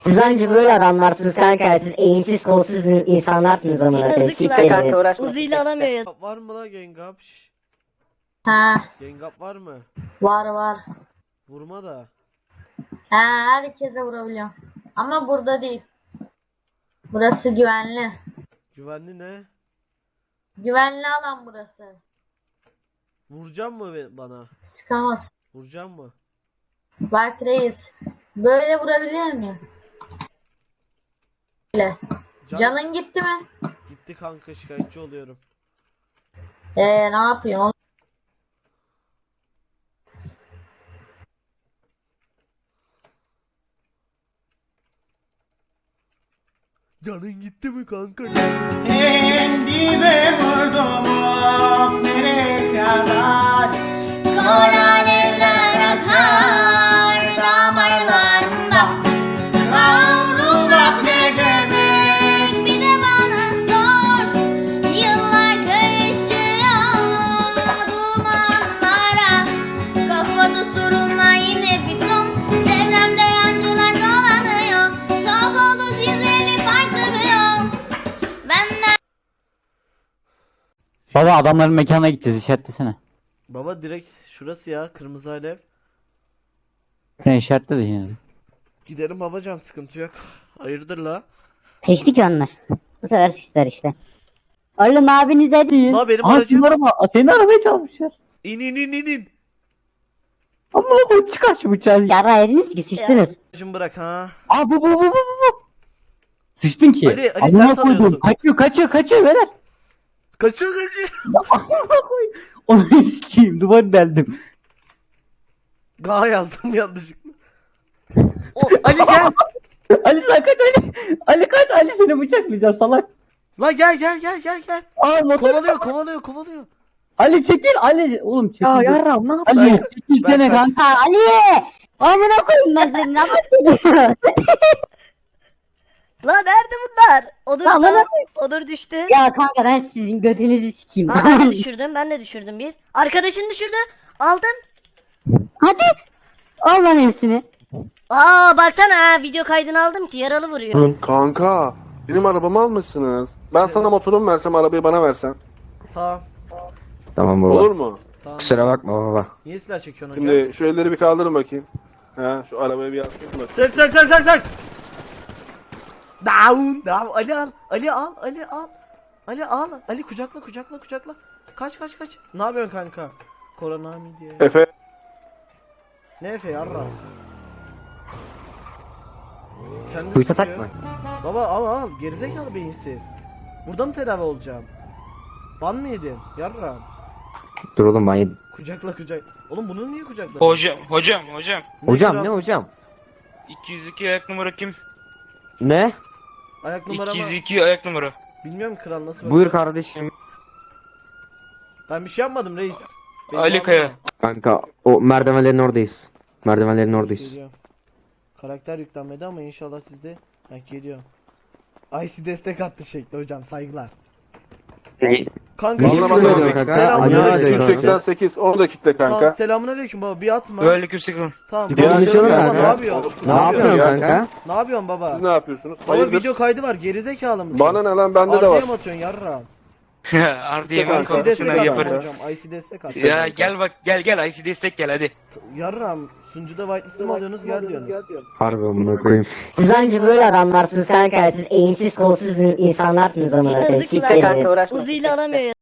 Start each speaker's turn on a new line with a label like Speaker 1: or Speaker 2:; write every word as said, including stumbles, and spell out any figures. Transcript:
Speaker 1: Siz anca böyle adamlarsınız kanka. Siz eğimsiz kolsuz insanlarsınız amına koyayım.
Speaker 2: Yazık
Speaker 1: Siktir
Speaker 2: lan.
Speaker 1: edin.
Speaker 2: Uğraşma. Uzi'yle alamıyor ya.
Speaker 3: Var mı la Gengap? Şşş.
Speaker 4: Ha,
Speaker 3: Gengap var mı?
Speaker 4: var var.
Speaker 3: Vurma da.
Speaker 4: Ha, herkese vurabiliyorum. Ama burada değil. Burası güvenli.
Speaker 3: Güvenli ne?
Speaker 4: Güvenli alan burası.
Speaker 3: Vuracağım mı be- bana?
Speaker 4: Sıkamaz.
Speaker 3: Vuracağım mı?
Speaker 4: Bak reis. Böyle vurabilir miyim? Böyle.
Speaker 3: Can-
Speaker 4: Canın gitti mi?
Speaker 3: Gitti kanka, şikayetçi oluyorum.
Speaker 4: Ee, ne yapayım?
Speaker 3: Canın gitti mi kanka?
Speaker 5: En dibe vurdum of nereye kadar.
Speaker 6: Kor alevler akar damarlarımda. Kavrulmak ne demek bir de bana sor. Yıllar karışıyor dumanlara. Kafada sorunlar yine bir ton. Çevremde yancılar dolanıyor. Tuhaf oldu sizleri farklı bir yol. Benden
Speaker 7: Baba adamların mekanına gideceğiz, işaretlesene.
Speaker 3: Baba direkt şurası ya, kırmızı alev.
Speaker 7: Sen işaretle de yine de.
Speaker 3: Giderim babacan, sıkıntı yok. Hayırdır la?
Speaker 1: Seçtik ya onlar. Bu sefer sıçtılar işte. Oğlum abinize değil.
Speaker 3: La benim
Speaker 7: Aha
Speaker 3: aracım.
Speaker 7: senin araba, senin arabayı çalmışlar.
Speaker 3: İn in in in in.
Speaker 7: Amına koyayım, çıkar şu bıçağı.
Speaker 1: Yara ediniz ki sıçtınız.
Speaker 3: Aracımı bırak ha.
Speaker 7: Aa bu bu bu bu bu bu. Sıçtın ki.
Speaker 3: Ali, Ali,
Speaker 7: Amına
Speaker 3: sen
Speaker 7: koydum.
Speaker 3: tanıyorsun.
Speaker 7: Kaçıyor kaçıyor kaçıyor beyler.
Speaker 3: Kaçıyor kaçıyor.
Speaker 7: Amına koyayım. Onu sikeyim, duvarı deldim.
Speaker 3: Ga yazdım yanlışlıkla. O Ali gel.
Speaker 7: Ali sen kaç Ali. Ali kaç, Ali seni bıçaklayacağım salak.
Speaker 3: La gel gel gel gel gel.
Speaker 7: Aa motor.
Speaker 3: Kovalıyor kovalıyor kovalıyor.
Speaker 7: Ali çekil Ali. Oğlum çekil.
Speaker 2: Ya yarram ne yaptın?
Speaker 7: Ali çekilsene
Speaker 3: Ben-
Speaker 7: kanka.
Speaker 1: Ha Ali! Amına koyayım ben seni. Ne yapıyorsun?
Speaker 2: Lan nerede bunlar? Onur,
Speaker 1: Lan bana-
Speaker 2: Onur düştü.
Speaker 1: Ya kanka ben sizin götünüzü sikeyim.
Speaker 2: Aa, ben de düşürdüm ben de düşürdüm bir. Arkadaşını düşürdü. Aldın.
Speaker 1: Hadi. Al lan hepsini.
Speaker 2: Aa baksana ha, video kaydını aldım ki yaralı vuruyor.
Speaker 8: Kanka, benim arabamı almışsınız. Ben sana motorumu versem, arabayı bana versen.
Speaker 3: Tamam
Speaker 9: Tamam baba.
Speaker 8: Olur mu?
Speaker 3: tamam.
Speaker 9: Kusura bakma baba.
Speaker 3: Niye silah çekiyorsun hocam?
Speaker 8: Şimdi şu elleri bir kaldırın bakayım. Ha, şu arabayı bir yansıtın bakayım.
Speaker 3: Sök sök sök sök sök. Down down. Ali al. Ali al. Ali al. Ali al. Ali kucakla kucakla kucakla. Kaç kaç kaç. Ne yapıyorsun kanka? Korona mı diye.
Speaker 8: Efe,
Speaker 3: Ne Efe yarra? Kendini
Speaker 9: Kuytu
Speaker 3: sıkıyor.
Speaker 9: takma.
Speaker 3: Baba al al. Gerizekalı beyinsiz. Burada mı tedavi olacağım? Ban mı yedin? Yarra.
Speaker 9: Dur oğlum ben yedim.
Speaker 3: Kucakla kucak. Oğlum bunu niye kucakladın?
Speaker 10: Hocam, hocam, hocam.
Speaker 9: Hocam
Speaker 3: kral?
Speaker 9: ne hocam?
Speaker 10: iki yüz iki ayak numara kim?
Speaker 9: Ne?
Speaker 3: Ayak numaramı
Speaker 10: iki yüz iki ayak numara.
Speaker 3: bilmiyorum kral, nasıl
Speaker 9: Buyur
Speaker 3: bakıyor?
Speaker 9: kardeşim.
Speaker 3: Ben bir şey yapmadım reis. Beni
Speaker 10: Ali
Speaker 3: bağlama.
Speaker 10: Kaya.
Speaker 9: Kanka o merdivenlerin oradayız. Merdivenlerin oradayız.
Speaker 3: Geliyor. Karakter yüklenmedi ama inşallah sizde hak geliyor. I C destek attı şekli hocam, saygılar. Kanka
Speaker 8: Vallahi
Speaker 3: şimdi
Speaker 8: bana
Speaker 3: selam-
Speaker 8: bak
Speaker 9: kanka.
Speaker 3: selam-
Speaker 9: Ali
Speaker 3: selam-
Speaker 9: Kaya.
Speaker 8: yüz seksen sekiz, onu da kitle
Speaker 3: Tamam,
Speaker 8: kanka.
Speaker 3: selamünaleyküm baba, bir atma.
Speaker 10: Böyle kimse kalın.
Speaker 3: Tamam.
Speaker 9: Bir
Speaker 3: baba,
Speaker 9: konuşalım
Speaker 3: baba,
Speaker 9: kanka.
Speaker 3: Ne yapıyorsun?
Speaker 9: Ne yapıyorsun
Speaker 8: ya?
Speaker 9: kanka?
Speaker 3: Ne yapıyorsun baba?
Speaker 8: Siz ne yapıyorsunuz?
Speaker 3: Baba
Speaker 8: Hayırdır?
Speaker 3: video kaydı var, gerizekalı mısın?
Speaker 8: Bana ne lan, bende de var.
Speaker 3: Arda'ya mı atıyorsun yarra?
Speaker 10: Artı yemin
Speaker 3: I C destek
Speaker 10: kafasına
Speaker 3: attı
Speaker 10: yaparız.
Speaker 3: hocam, I C destek attı.
Speaker 10: Ya gel bak, gel gel I C destek gel hadi.
Speaker 3: Yarram, sunucuda whitelist'ı mı alıyorsunuz, gel diyorsunuz.
Speaker 9: Harbi amına koyayım.
Speaker 1: Siz anca böyle adamlarsınız kanka. Siz eğimsiz kolsuz insanlarsınız amına koyayım.
Speaker 2: Yazık
Speaker 1: Siktir
Speaker 2: lan.
Speaker 1: edin.
Speaker 2: Uzi'yle alamıyor ya.